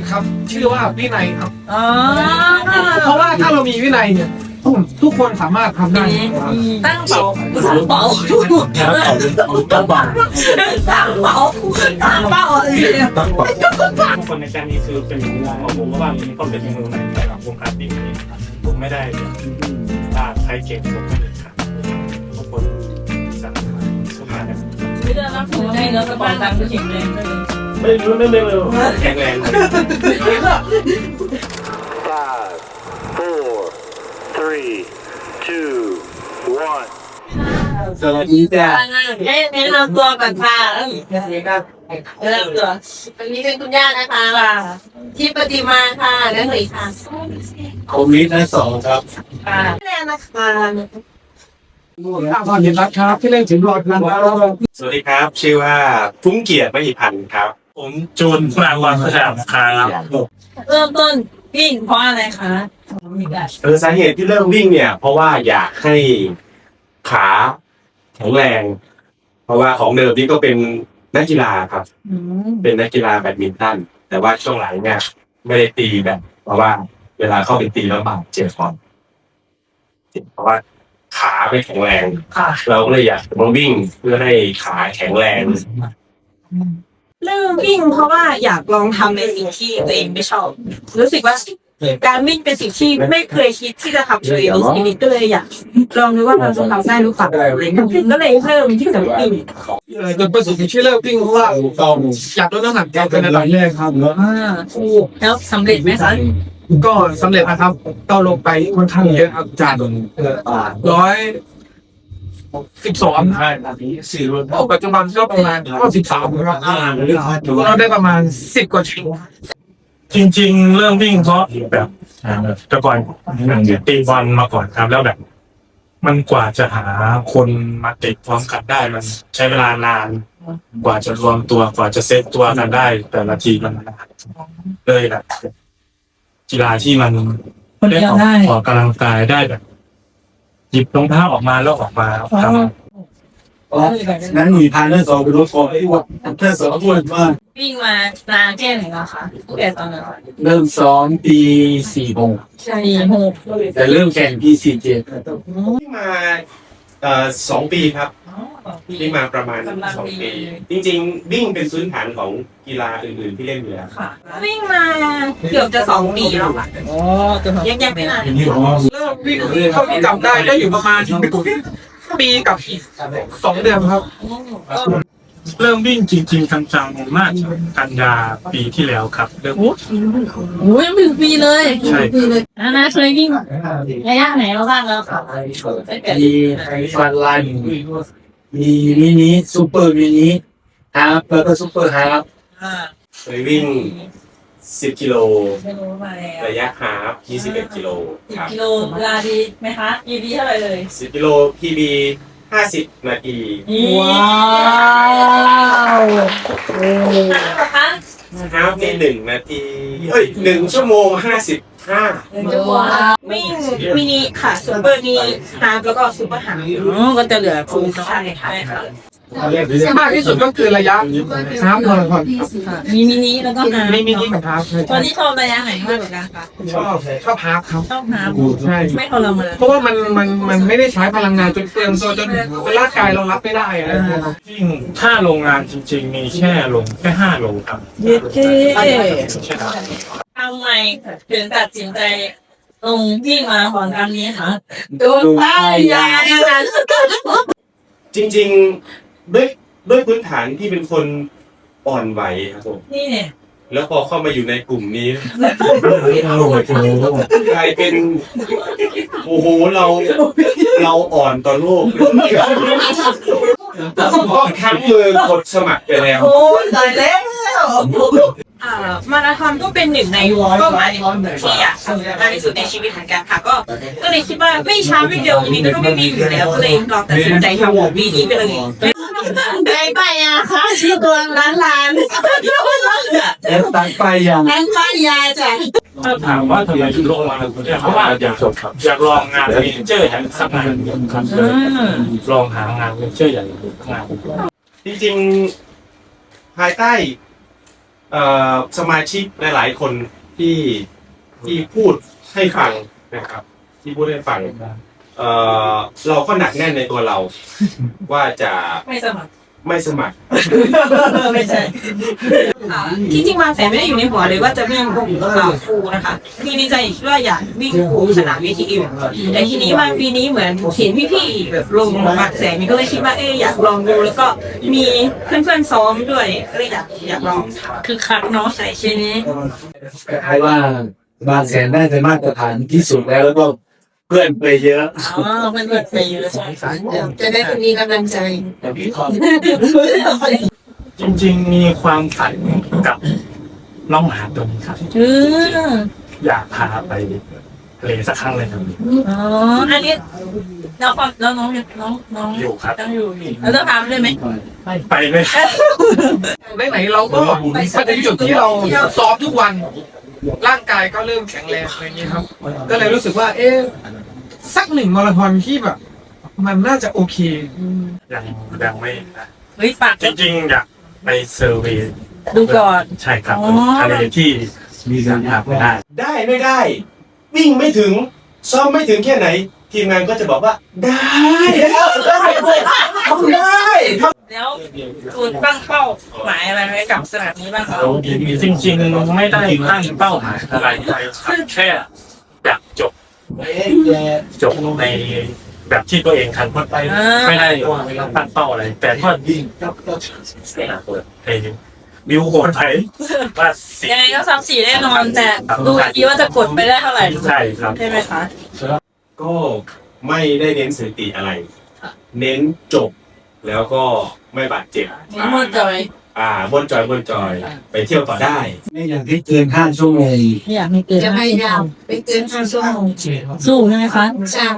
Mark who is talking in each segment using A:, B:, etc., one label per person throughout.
A: ครับชื่อว่าวินัยครับ
B: อ๋อ
A: เพราะว่าถ้าเรามีวินัยเนี่ยทุกคนสามารถทำได้
B: ตั้งเป๋าเป๋าตั้งเป๋าตั้งเป๋าตั้งเป๋า
C: ทุกคนในแกนนี้คือเป็นของผมว่ามีความเป็นมือใหม่ในวงการวิ่งนี้ผมไม่ได้ถ้าใครเก่งผมก็เลยครับทุกคนสามารถสมัคร
B: ไม่ได้รับผลได้แล้วก็บ้านตังค์ก็แข็งแรงเลย
C: ไม่แข็งแรง
D: 5, 4, 3, 2, 1.
A: สวัสดีจ้า
B: แนะนำตัวก่อนค่ะแนะนำตัวอันนี้เป็นคุณย่านะคะที่ปฏิมาค่ะนั่นเลยค่ะ
D: ผมนิดนะ2ครับ
B: ค่ะแน่นะคะ
A: ข้าวพรเห็นรักครับที่เล่นถึงรอดนะครับ
C: สวัสดีครับ ชื่อว่าฟุ้งเกียรติมหิพันธ์ครับ ผมจูนปรางวันสยามครับ
B: เริ่มต้นวิ่งเพราะอะไรคะ
C: สาเหตุที่เริ่มวิ่งเนี่ย เพราะว่าอยากให้ขาแข็งแรง เพราะว่าของเดิมนี่ก็เป็นนักกีฬาครับ เป็นนักกีฬาแบดมินตันแต่ว่าช่วงหลังเนี่ยไม่ได้ตีแบบเพราะว่าเวลาเข้าไปตีแล้วบาดเจ็บก่อนเพราะว่าขาไม่แข็งแรง เราก็เลยอยากมาวิ่งเพื่อให้ขาแข็งแรง
B: เริ่มวิ่งเพราะว่าอยากลองทำในสิ่งที่ตัวเองไม่ชอบ รู้สึกว่าการวิ่งเป็นสิ่งที่ไม่เคยคิดที่จะทำเลยในชีวิตก็เลยอยากลองดูว่าเราจะทำได้หรือเปล่าก็เลยเริ่มที่จะวิ่ง
A: จนประสบที่เลิกวิ่งเพราะว่าอยากลดน้ำหนักเป็นอันดับแรกครับ
B: แล้วสำเร็จไหมคะ
A: ก็สำเร็จนะครับก็ลงไปค่อนข้างเยอะครับจาก112ปัจจุบันก็ประมาณ93ครับเราได้ประมาณ10กว่าชิ้น
C: จริงๆเริ่มวิ่งเพราะแบบแต่ก่อนตีบอลมาก่อนครับแล้วแบบ มันกว่าจะหาคนมาติดพร้อมกันได้มันใช้เวลานาน กว่าจะรวมตัวกว่าจะเซตตัวกันได้ แต่ละทีมันนานเลยแบบกีฬาที่มันได้ออกกำลังกายได้แบบหยิบรองเท้าออกมาแล้วออกมาทำ
D: นั้นมีพาร์ทเนอร์2เป็นรถฟอร์ไอ้วัดเธอ2คนมาก
B: วิ่งมานานแค่ไหนแล้วคะตั้งแต่ตอนนั้น
D: เริ่มซ้อมปี46
B: ใช่หก
D: แต่เริ่มแข่งปี47
C: วิ่งมา2 ปีครับวิ่งมาประมาณ2 ปี จริงๆวิ่งเป็นพื้นฐานของกีฬาอื่นๆที่เล่นอยู่แล้ว
B: ค่ะวิ่งมาเกือบจะ2 ปีแล้วค่ะยังไม่นาน
A: เริ่มวิ่งเท่าที่จำได้ก็อยู่ประมาณปีกับ2 เดือนครับ
C: เริ่มวิ่งจริงๆจังๆน่าจะกันยาปีที่แล้วครับเริ่ม
B: โอ้ย1 ปีเลย
C: ใช่
B: นะเคยวิ่งระยะไหนมาบ้างแล้วค่ะ
D: มีฟันลันมีมินิซูเปอร์มินิฮาร์ปแล้วก็ซูเปอร์ฮาร์ป
C: เคยวิ่ง10 กิโล
B: ไม่รู้มาแล้ว
C: ระยะฮาล์ฟ21 กิโลครับ
B: กิโลเวลาดีไหมคะดีเท่าไหร่เลย
C: 10 กิโล PB 50 นาที
B: ว้าวคะ
C: ฮาล์ฟนี่1 นาที1 ชั่วโมง 55
B: ว้าววิ่งมินิค่ะซูเปอร์มินิฮาร์ฟแล้วก็ซูเปอร์ฮาร์ฟก็จะเหลือฟูลใช่ค่ะ
A: มากที่สุดก็คือระยะฮาล์ฟมาราธอน
B: มีมินิแล้วก็ฮาร์ฟ
A: มีมินิกับฮาล์ฟ
B: ตอนนี้ชอบระยะไหนมากกว่ากันคะ
A: ชอบฮาล์ฟครับ
B: ชอบฮาร์ฟ
A: ใช่
B: ไม่ทรมาน
A: เพราะว่ามันไม่ได้ใช้พลังงานจนเปลืองตัวจนร่างกายเรารับไม่ได้อะไรอย่างเงี้ยครับ
C: วิ่งถ้าโรงงานจริงๆ มีแค่5 โลครับ
B: เย้เจ๊
C: ใช่ครับ
B: ทำไมถึงตัดสินใจลงวิ่งมาราธอนครั้งนี้คะโดนป้ายยานะคะ
C: จริงๆด้วยพื้นฐานที่เป็นคนอ่อนไหวครับผม
B: นี่เนี่ย
C: แล้วพอเข้ามาอยู่ในกลุ่มนี้กลายเป็นโอ้โหเราอ่อนต่อโลกเพราะครั้งมือกดสมัครไปแล้ว
B: โอ้ยตายแล้วมาราธอนก็เป็นหนึ่งในเป้าหมายที่อยากทำมากที่สุดในชีวิตเหมือนกันค่ะก็เลยคิดว่าไม่ช้าไม่เร็วยังไงก็ไม่วิ่งอยู่แล้วก็เลยลองตัดสินใจทำวีนี้ไปเลยได้ไปอ่ะค่ะชื่อตัวร้าน
D: แล้วตั้งไปยัง
B: ร้านป้ายยาจ้ะ
C: ถ้าถามว่าทำไมถึงลงมาเพราะว่าอยากลองงานเมเจอร์อย่างสักงานครับเลยลองหางานเมเจอร์อย่างงานจริงๆภายใต้
E: สมาชิกหลายๆคนที่พูดให้ฟังนะครับ ที่พูดให้ฟังเราก็หนักแน่นในตัวเรา ว่าจะ
B: ไม่สมัคร
E: ไม่สมัคร
B: ไม่ใช่ที่จริงบางแสนไม่ได้อยู่ในหัวเลยว่าจะวิ่งครูนะคะคือในใจคิดว่าอยากวิ่งครูสนาม VTU แต่ทีนี้มาปีนี้เหมือนเห็นพี่ๆแบบลงบางแสนมีก็เลยคิดว่าอยากลองดูแล้วก็มีเพื่อนๆซ้อมด้วยก็เลยอยากลองคือคักเนาะใส่ชิ้นนี้
D: เพราะว่าบางแสนได้เป็นมาตรฐานที่สุดแล้วก็เพื่อนไปเยอะ
B: อ๋อมันเกิดไปเยอะใช่ค่ะจะได้มีกำลังใจ
C: จริงๆมีความฝันกับน้องหมาตัวนี้ครับ อยากพาไปทะเลสักครั้งเลยครับ
B: อ๋ออันนี้น้อง
C: อยู่ครับ
B: ต้องอยู่แล้วจะพาไปได้ไหม
C: ไปเลย
A: ไหนๆเราก็มาถึงจุดที่เราซ้อมทุกวัน ร่างกายก็เริ่มแข็งแรงอะไรอย่างนี้ครับ ก็เลยรู้สึกว่า สัก1 มาราธอนที่แบบ มันน่าจะโอเค
C: ยังไม่นะ
B: เฮ้ยฝาก
C: จริงๆอยากไปเซอร์เวย์
B: ดูก่อน
C: ใช่ครับทะเลที่มีการหาไม่ได้
E: ได้ไม่ได้ วิ่งไม่ถึงซ้อมไม่ถึงแค่ไหน ทีมงานก็จะบอกว่าได้ได้
B: แล้วคุณตั้งเป้าหมายอะไรไว้กับสนามนี้บ้างครับ
C: จริงๆไม่ได้ตั้งเป้าหมายอะไรเลยครับแค่อยากจบในแบบที่ตัวเองทันพดไปไม่ได้ตั้งเป้าอะไร แต่ก็วิวโหดไปว่า
B: ยังไงก็3-4แน่นอนแต่ดูอีกทีว่าจะกดไปได้เท่าไหร่
C: ใช่ครับ
B: ใช่ไหมคะ
E: ก็ไม่ได้เน้นสถิติอะไร เน้นจบ แล้วก็ไม่บาดเจ็บ
B: หมดเลย
E: บนจอยไปเที่ยวต่อได้
D: ไม่อยากให้เกิน5 ชั่วโมง
B: ไม่อยากให้เกิน
F: จะพยายามไปเกิน5 ชั่วโมง
B: สู้ใช่ไหมคะ
F: ใช่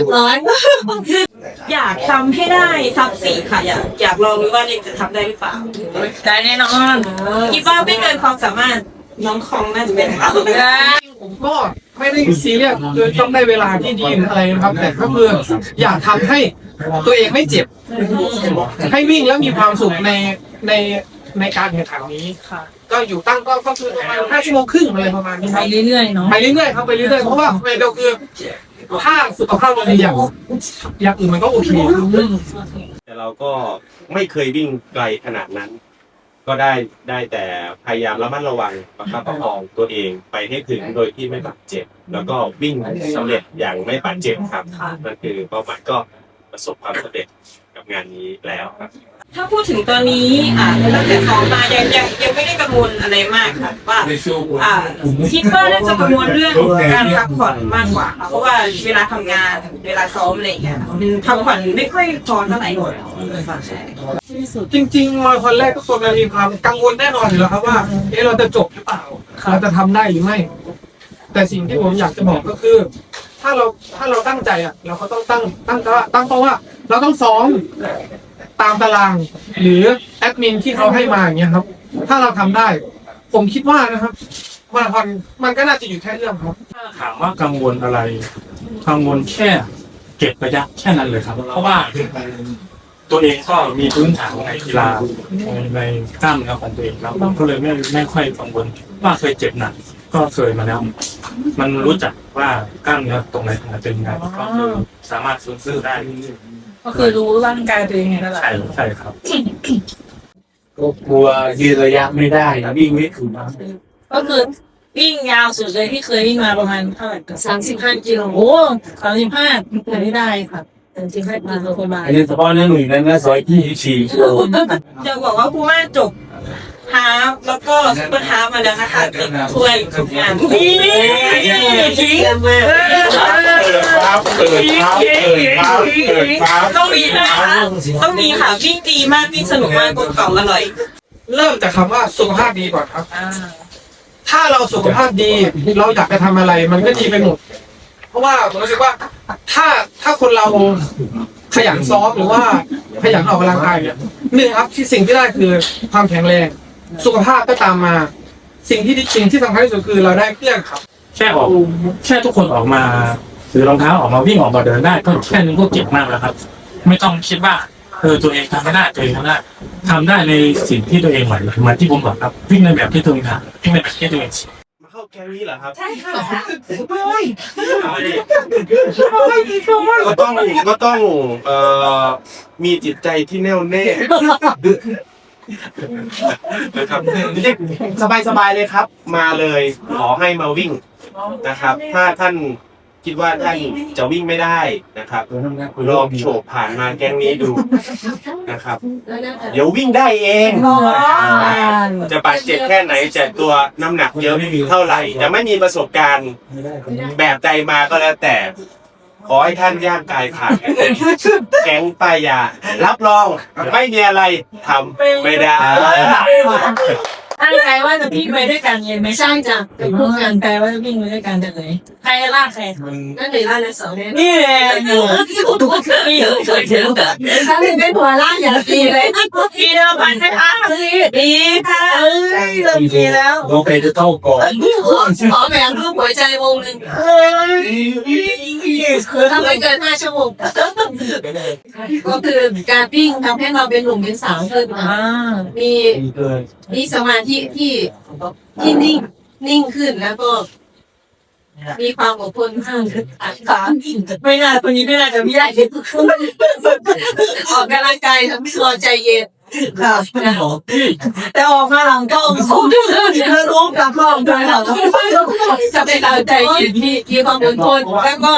F: 10
B: อยากทำให้ได้ซับ4ค่ะอยากลองดูว่าเด็กจะทำได้หรือเปล่าได้แน่นอนคิดว่าไม่เกินความสามารถน้องคองน่าจะเป็นค่ะ
A: ผมก็ไม่ได้ซีเรียสโดยต้องได้เวลาที่ดีหรืออะไรนะครับ แต่ก็คืออยากทำให้ตัวเองไม่เจ็บ ให้วิ่งแล้วมีความสุขในการแข่งขันนี้
B: ค่ะ
A: ก็อยู่ตั้งก็คือประมาณ5 ชั่วโมงครึ่งอะไรประมาณนี้ค
B: ไป
A: รับ
B: เรื่อยๆเนาะ
A: ไปเรื่อยๆครับไปเรื่อยๆเพราะว่าเดียวคือถ้าสุขภาพเราดีอย่างอื่นมันก็โอเค
E: แต่เราก็ไม่เคยวิ่งไกลขนาดนั้น ก็ได้แต่พยายามระมัดระวังประคับประคองตัวเองไปให้ถึงโดยที่ไม่บาดเจ็บ แล้วก็วิ่งสำเร็จอย่างไม่บาดเจ็บครับนั่นคือเป้าหมายก็ประสบความสำเร็จกับงานนี้แล้วครับ
B: ถ้าพูดถึงตอนนี้ตั้งแต่ซ้อมมายังไม่ได้กังวลอะไรมากค่ะว่าคิดว่าน่าจะกังวลเรื่องการพักผ่อนมากกว่าค่ะเพราะว่าเวลาทำงานเวลาซ้อมอะไรอย่างเงี้ยพักผ่อนไม่ค่อยพอเท่าไหร่ใช่
A: จริงๆมาคนแรกทุกคนมีความกังวลแน่นอนอยู่แล้วครับว่าเราจะจบหรือเปล่าเราจะทำได้หรือไม่ แต่สิ่งที่ผมอยากจะบอกก็คือ ถ้าเราตั้งใจเราก็ต้องตั้งเป้าว่าเราต้องซ้อมตามตาราง หรือแอดมินที่เขาให้มาอย่างเงี้ยครับ ถ้าเราทำได้ ผมคิดว่านะครับมาราธอนมันก็น่าจะอยู่แค่เรื่องครับ
C: ถามว่ากังวลอะไร กังวลแค่เก็บระยะแค่นั้นเลยครับ เพราะว่าตัวเองก็มีพื้นฐานในกีฬาในกล้ามเนื้อของตัวเองแล้วก็เลยไม่ค่อยกังวลว่าเคยเจ็บหนักก็เคยมาแล้วมันรู้จักว่ากล้ามเนื้อตรงไหนเป็นไงก็คือสามารถฟื้นฟูได้
B: ก็คือรู้ร่างกายตัวเองไงนั่นแหละ
C: ใช่ครับ
D: ก็กลัวยืนระยะไม่ได้วิ่งไม่ถึง
B: ก็คือวิ่งยาวสุดเลยที่เคยวิ่งมาประมาณเท่าไหร่กัน
F: 35 กิโล
B: โอ้35เคยได้ครับ
F: 35 กิโล
B: ประมาณ
D: อันนี้เฉพาะในหน่วยนั้นนะ124 กิโล
B: จะบอกว่าผู้ว่าจบฮาฟแล้วก็ซุปเปอร์ฮาฟมาแล้วนะคะติดถ้วยทุกงานนี่ทิ้งต้องมีนะคะต้องมีค่ะวิ่งดีมากวิ่งสนุกมากกลมกล่อมอร่อย
A: เริ่มจากคำว่าสุขภาพดีก่อนครับ ถ้าเราสุขภาพดีเราอยากจะทำอะไรมันก็ดีไปหมด เพราะว่าผมรู้สึกว่าถ้าคนเราขยันซ้อมหรือว่าขยันออกกำลังกายเนี่ย1ครับที่สิ่งที่ได้คือความแข็งแรงสุขภาพก็ตามมา สิ่งที่สำคัญที่สุดคือเราได้เพื่อนครับ
C: แค่ทุกคนออกมาถือรองเท้าออกมาวิ่งออกมาเดินได้ก็แค่นึงก็เก่งมากแล้วครับ ไม่ต้องคิดว่าตัวเองทำไม่ได้ตัวเองทำได้ในสิ่งที่ตัวเองไหวเหมือนที่ผมบอกครับวิ่งในแบบที่ตัวเองทำวิ่งในแบบที่ตัวเอง
E: มาเข้าแก๊งนี้เหรอครับ
B: ใช่ค่ะ
E: ก็ต้องมีจิตใจที่แน่วแน่นะครับสบายๆเลยครับ มาเลยขอให้มาวิ่งนะครับ ถ้าท่านคิดว่าท่านจะวิ่งไม่ได้นะครับลองโฉบผ่านมาแก๊งนี้ดูนะครับ เดี๋ยววิ่งได้เอง จะบาดเจ็บแค่ไหนจะตัวน้ำหนักเยอะเท่าไหร่จะไม่มีประสบการณ์แบบใจมาก็แล้วแต่ ขอให้ท่านย่างกายผ่านแก๊งป้ายยารับรองไม่มีอะไรทำไม่ได้
F: ตั้งใจว่าจะวิ่งไปด้วยกันเลยไม่ใช่จ้ะเป็นพวกกันแต่ว่าจะวิ่งไปด้วยกันจะเลยใครลากใครนั่นเลยลากนะสองเนี่ยนี่แหละทุกคนมีเคยเจอแบบถ้าเป็นหัวลากอย่างดีเลยดีแล้วผ่านให้อ้าดีค่ะเริ่มดีแล้ว
D: โอเคจะเข้าก่อน
F: ขอแบ่งรูปหัวใจวงหนึ่งทำไม่เกิน5 ชั่วโมงก็คือการวิ่งทำให้เราเป็นหนุ่มเป็นสาวขึ้นมีสมาธิที่นิ่งขึ้นแล้วก็มีความอดทนมากขาไม่น่าคนนี้ไม่น่าจะไม่ได้ออกกำลังกายทำให้เราใจเย็นค่ะแต่ออกมาหลังก็รู้กับกล้องด้วยค่ะจะเป็นเราใจเย็นมีความอดทนแล้วก็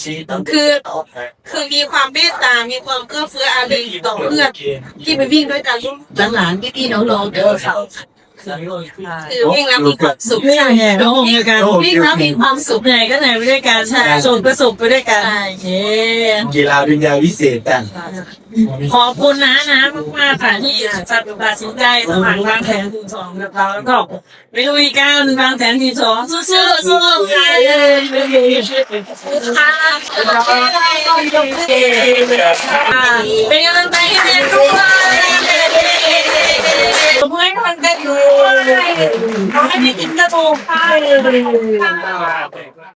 F: คือมีความเมตตา มีความเอื้อเฟื้ออารีต่อเพื่อนที่ไปวิ่งด้วยกันหลานๆพี่ๆน้องๆเด้อค่ะคือวิ่งแล้วมีความสุขไม่ใช่ไงน้องด้วยกันวิ่งแล้วมีความสุขไหนก็ไหนไปด้วยกันใช่สุขก็สุขไปด้วยกัน
D: กีฬาเป็นยาวิเศษแต่
F: ขอบคุณนะมากๆค่ะที่ตัดสินใจสมัครบางแสนถึง2กับเราแล้วก็ไปลุยกันบางแสนที่2สู้ๆค่ะเป็นกำลังใจให้เด็กด้วยผมให้กำลังใจด้วยขอให้ได้กินกระโปรง